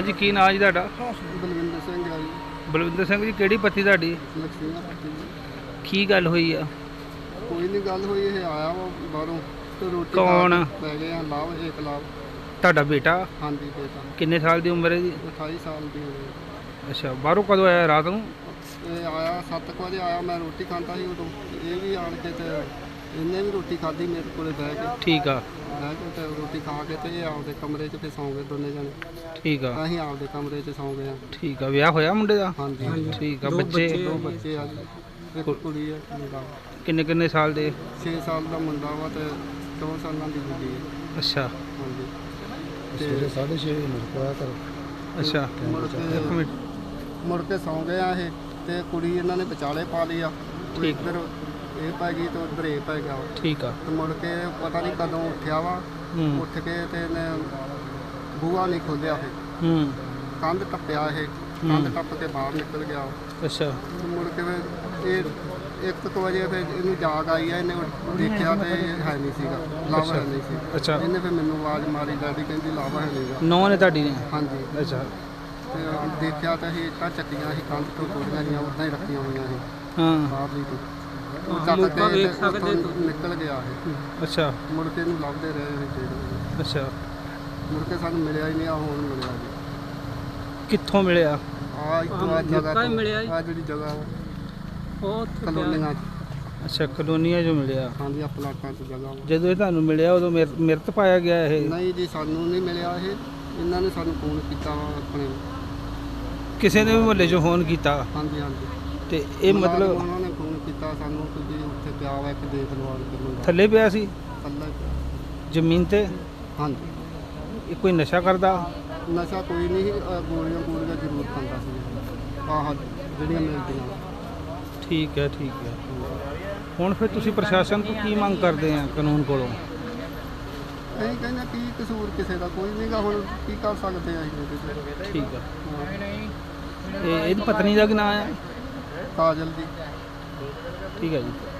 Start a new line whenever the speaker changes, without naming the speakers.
ਹਾਂਜੀ ਕੀ ਨਾਂ ਜੀ ਤੁਹਾਡਾ?
ਬਲਵਿੰਦਰ ਸਿੰਘ ਆ ਜੀ।
ਬਲਵਿੰਦਰ ਸਿੰਘ ਜੀ, ਕਿਹੜੀ ਪੱਤੀ ਤੁਹਾਡੀ?
ਲక్ష్ਮੀਆਂ ਪੱਟੀ ਜੀ।
ਕੀ ਗੱਲ ਹੋਈ ਆ?
ਕੋਈ ਨਹੀਂ ਗੱਲ ਹੋਈ, ਇਹ ਆਇਆ ਵਾ ਬਾਹਰੋਂ ਤੇ ਰੋਟੀ
ਕੌਣ?
ਪੈ ਗਏ ਆ ਲਾਭ, ਇੱਕ ਲਾਭ।
ਤੁਹਾਡਾ ਬੇਟਾ?
ਹਾਂਜੀ ਬੇਟਾ।
ਕਿੰਨੇ ਸਾਲ ਦੀ ਉਮਰ ਹੈ ਜੀ?
28 ਸਾਲ ਦੀ ਹੋਈ।
ਅੱਛਾ, ਬਾਹਰੋਂ ਕਦੋਂ ਆਇਆ? ਰਾਤ ਨੂੰ?
ਇਹ ਆਇਆ 7 ਵਜੇ ਆਇਆ, ਮੈਂ ਰੋਟੀ ਖਾਂਦਾ ਸੀ ਉਦੋਂ। ਇਹ ਵੀ ਆਣ ਕੇ ਤੇ ਇਹਨੇ ਵੀ ਰੋਟੀ ਖਾਧੀ ਮੇਰੇ ਕੋਲੇ ਬਹਿ ਕੇ।
ਠੀਕ ਆ।
ਬਹਿ ਕੇ ਤੇ ਰੋਟੀ ਖਾ ਕੇ ਤੇ ਇਹ ਆਪਦੇ ਕਮਰੇ 'ਚ ਫਿਰ ਸੌਂ ਗਏ ਦੋਨੇ ਜਣੇ।
ਠੀਕ ਆ।
ਅਸੀਂ ਆਪਦੇ ਕਮਰੇ 'ਚ ਸੌਂ ਗਏ ਆ।
ਠੀਕ ਆ, ਵਿਆਹ ਹੋਇਆ ਮੁੰਡੇ ਦਾ?
ਹਾਂਜੀ
ਠੀਕ ਆ। ਬੱਚੇ?
2 ਬੱਚੇ ਆ ਜੀ, ਇੱਕ ਕੁੜੀ ਆ ਮੁੰਡਾ।
ਕਿੰਨੇ ਕਿੰਨੇ ਸਾਲ ਦੇ?
6 ਸਾਲ ਦਾ ਮੁੰਡਾ ਵਾ ਤੇ 4 ਸਾਲਾਂ ਦੀ ਕੁੜੀ ਹੈ।
ਅੱਛਾ
ਹਾਂਜੀ ਤੇ
6:30 ਮਿੰਟ ਕੋਇਆ ਕਰ।
ਅੱਛਾ, ਇੱਕ ਮਿੰਟ।
ਮੁੜ ਕੇ ਸੌਂ ਗਏ ਆ ਇਹ ਤੇ ਕੁੜੀ ਇਹਨਾਂ ਨੇ ਵਿਚਾਲੇ ਪਾ ਲਈ ਆ।
ਠੀਕ।
ਇੱਧਰ ਇਹ ਪੈ ਗਈ ਤੇ ਉੱਧਰ ਇਹ ਪੈ ਗਿਆ।
ਠੀਕ ਆ।
ਤੇ ਮੁੜ ਕੇ ਪਤਾ ਨਹੀਂ ਕਦੋਂ ਉੱਠਿਆ ਵਾ।
ਹੂੰ
ਉੱਠ ਕੇ ਤੇ ਇਹਨੇ ਬੂਹਾ ਨਹੀਂ ਖੋਲ੍ਹਿਆ, ਇਹ
ਹੂੰ।
ਕੰਧ ਟੱਪਿਆ, ਇਹ ਕੰਧ ਟੱਪ ਕੇ ਬਾਹਰ ਨਿਕਲ ਗਿਆ।
ਅੱਛਾ।
ਤੇ ਮੁੜ ਕੇ ਫਿਰ ਇਹ 1 ਵਜੇ ਫਿਰ ਇਹਨੂੰ ਜਾਗ ਆਈ ਆ। ਇਹਨੇ ਦੇਖਿਆ ਤੇ ਇਹ ਹੈ ਨਹੀਂ ਸੀਗਾ, ਲਾਵਾ ਹੈ ਨਹੀਂ ਸੀ।
ਅੱਛਾ।
ਇਹਨੇ ਫਿਰ ਮੈਨੂੰ ਆਵਾਜ਼ ਮਾਰੀ, ਡੈਡੀ ਕਹਿੰਦੀ ਲਾਵਾ ਹੈ ਨਹੀਂਗਾ।
ਨੌਂ ਨੇ ਤੁਹਾਡੀ ਨੇ?
ਹਾਂਜੀ।
ਅੱਛਾ।
ਤੇ ਦੇਖਿਆ ਤਾਂ ਅਸੀਂ ਇੱਟਾਂ ਚੱਕੀਆਂ ਸੀ, ਕੰਧ ਤੋਂ ਥੋੜ੍ਹੀਆਂ ਜਿਹੀਆਂ ਉੱਦਾਂ ਹੀ ਰੱਖੀਆਂ ਹੋਈਆਂ ਸੀ
ਹਾਂ।
ਬਾਹਰਲੀ ਤੋਂ। ਉਹ ਚੱਕ ਕੇ ਤੇ ਉੱਥੋਂ ਨਿਕਲ ਗਿਆ ਇਹ।
ਅੱਛਾ।
ਮੁੜ ਕੇ ਇਹਨੂੰ ਲੱਭਦੇ ਰਹੇ ਅਸੀਂ 1.5 ਵਜੇ।
ਅੱਛਾ,
ਮੁੜ ਕੇ ਸਾਨੂੰ ਮਿਲਿਆ ਹੀ ਨਹੀਂ। ਆ ਹੁਣ ਮਿਲਿਆ ਜੀ।
ਕਿੱਥੋਂ ਮਿਲਿਆ?
ਆ ਇੱਥੋਂ ਆ ਜਗ੍ਹਾ ਤੋਂ ਮਿਲਿਆ। ਆ ਜਿਹੜੀ ਜਗ੍ਹਾ
ਉਹ
ਕਲੋਨੀਆਂ 'ਚ।
ਅੱਛਾ, ਕਲੋਨੀਆਂ 'ਚੋਂ ਮਿਲਿਆ।
ਹਾਂਜੀ, ਆ ਪਲਾਟਾਂ 'ਚ ਜਗ੍ਹਾ ਵਾ।
ਜਦੋਂ ਇਹ ਤੁਹਾਨੂੰ ਮਿਲਿਆ ਉਦੋਂ ਮਿਰਤ ਪਾਇਆ ਗਿਆ ਇਹ?
ਨਹੀਂ ਜੀ, ਸਾਨੂੰ ਨਹੀਂ ਮਿਲਿਆ ਇਹ। ਇਹਨਾਂ ਨੇ ਸਾਨੂੰ ਫੋਨ ਕੀਤਾ ਵਾ ਆਪਣੇ।
ਕਿਸੇ ਨੇ ਵੀ ਮੁਹੱਲੇ 'ਚੋਂ ਫੋਨ ਕੀਤਾ?
ਹਾਂਜੀ ਹਾਂਜੀ।
ਤੇ ਇਹ ਮਤਲਬ
ਉਹਨਾਂ ਨੇ ਫੋਨ ਕੀਤਾ ਸਾਨੂੰ ਕਿ ਜੀ ਉੱਥੇ ਪਿਆ ਵਾ ਇੱਕ, ਦੇਖ ਲਓ ਆਣ ਕੇ ਮੁੰਡਾ।
ਥੱਲੇ ਪਿਆ ਸੀ
ਥੱਲੇ ਪਿਆ।
ਜ਼ਮੀਨ ਤੇ?
ਹਾਂਜੀ।
ਇਹ ਕੋਈ ਨਸ਼ਾ ਕਰਦਾ?
ਨਸ਼ਾ ਕੋਈ ਨਹੀਂ, ਗੋਲੀਆਂ ਗੋਲੀਆਂ ਜ਼ਰੂਰ ਖਾਂਦਾ ਸੀ। ਆਹ ਜਿਹੜੀਆਂ ਮਿਲਦੀਆਂ।
ਠੀਕ ਹੈ, ਠੀਕ ਹੈ। ਹੁਣ ਫਿਰ ਤੁਸੀਂ ਪ੍ਰਸ਼ਾਸਨ ਤੋਂ ਕੀ ਮੰਗ ਕਰਦੇ ਆ ਕਾਨੂੰਨ ਕੋਲੋਂ?
ਅਸੀਂ ਕਹਿੰਦੇ ਕੀ ਕਸੂਰ ਕਿਸੇ ਦਾ ਕੋਈ ਨਹੀਂਗਾ, ਹੁਣ ਕੀ ਕਰ ਸਕਦੇ ਆ ਅਸੀਂ ਇਹਦੇ 'ਚ।
ਠੀਕ ਆ।
ਹਾਂ।
ਇਹਦੀ ਪਤਨੀ ਦਾ ਕੀ ਨਾਂ ਹੈ?
ਕਾਜਲ ਦੀ।
ਠੀਕ ਹੈ ਜੀ।